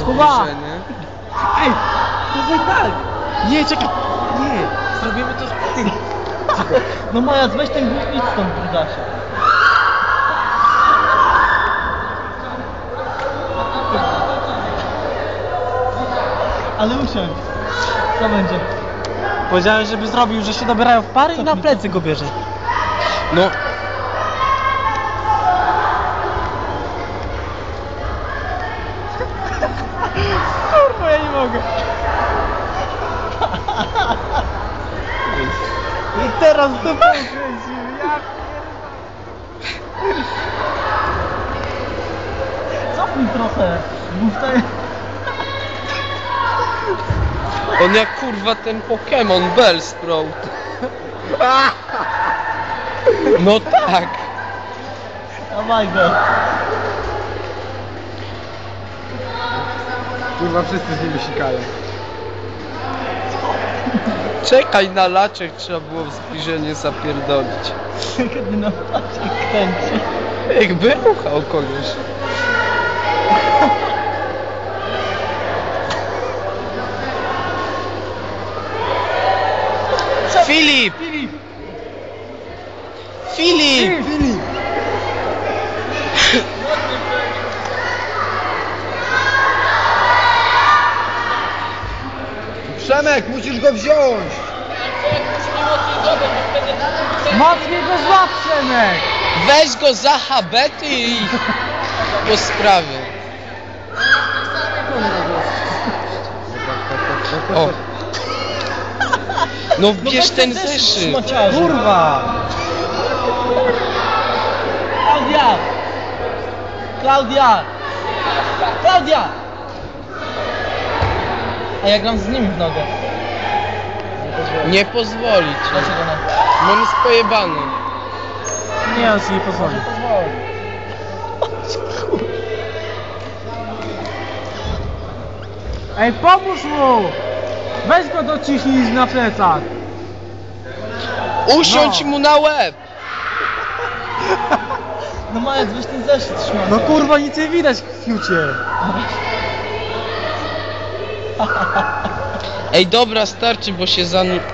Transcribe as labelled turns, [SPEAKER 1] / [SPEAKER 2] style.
[SPEAKER 1] zbliżenie.
[SPEAKER 2] Ej, to tak!
[SPEAKER 1] Nie, czekaj! Nie! Zrobimy to z tym.
[SPEAKER 2] No Maja, weź ten głos, idź stąd, brudasie. Ale usiądź. Co będzie?
[SPEAKER 1] Powiedziałem, żeby zrobił, że się dobierają w pary i na plecy go bierze. No. Kurwa, ja nie mogę. I teraz to pokręcił, ja
[SPEAKER 2] Cofnij trochę. Mów tutaj.
[SPEAKER 3] On jak kurwa ten Pokémon Bellsprout. No tak.
[SPEAKER 2] Dawaj go.
[SPEAKER 4] Kurwa, wszyscy z nimi sikają.
[SPEAKER 3] Czekaj na laczek, trzeba było w zbliżenie zapierdolić.
[SPEAKER 2] Kiedy na paczek kręci.
[SPEAKER 3] Jakby ruchał kogoś. Filip!
[SPEAKER 2] Filip!
[SPEAKER 3] Filip!
[SPEAKER 2] Filip!
[SPEAKER 4] Przemek, musisz go wziąć!
[SPEAKER 2] Mocniej go złap, Przemek!
[SPEAKER 3] Weź go za habety i po sprawie. O. No bierz ten zeszyt.
[SPEAKER 2] Kurwa! Klaudia! Klaudia! Klaudia! A ja gram z nim w nogę.
[SPEAKER 3] Nie pozwoli ci.
[SPEAKER 2] Dlaczego nie?
[SPEAKER 3] Bo on jest pojebany.
[SPEAKER 1] Nie, on ci nie pozwoli. Ej, pomóż mu! Weź go dociśnij na plecach.
[SPEAKER 3] Usiądź mu na łeb.
[SPEAKER 2] No Majec, weź ten zeszyt trzymaj.
[SPEAKER 1] No kurwa, nic nie widać w fiucie.
[SPEAKER 3] Ej, dobra, starczy, bo się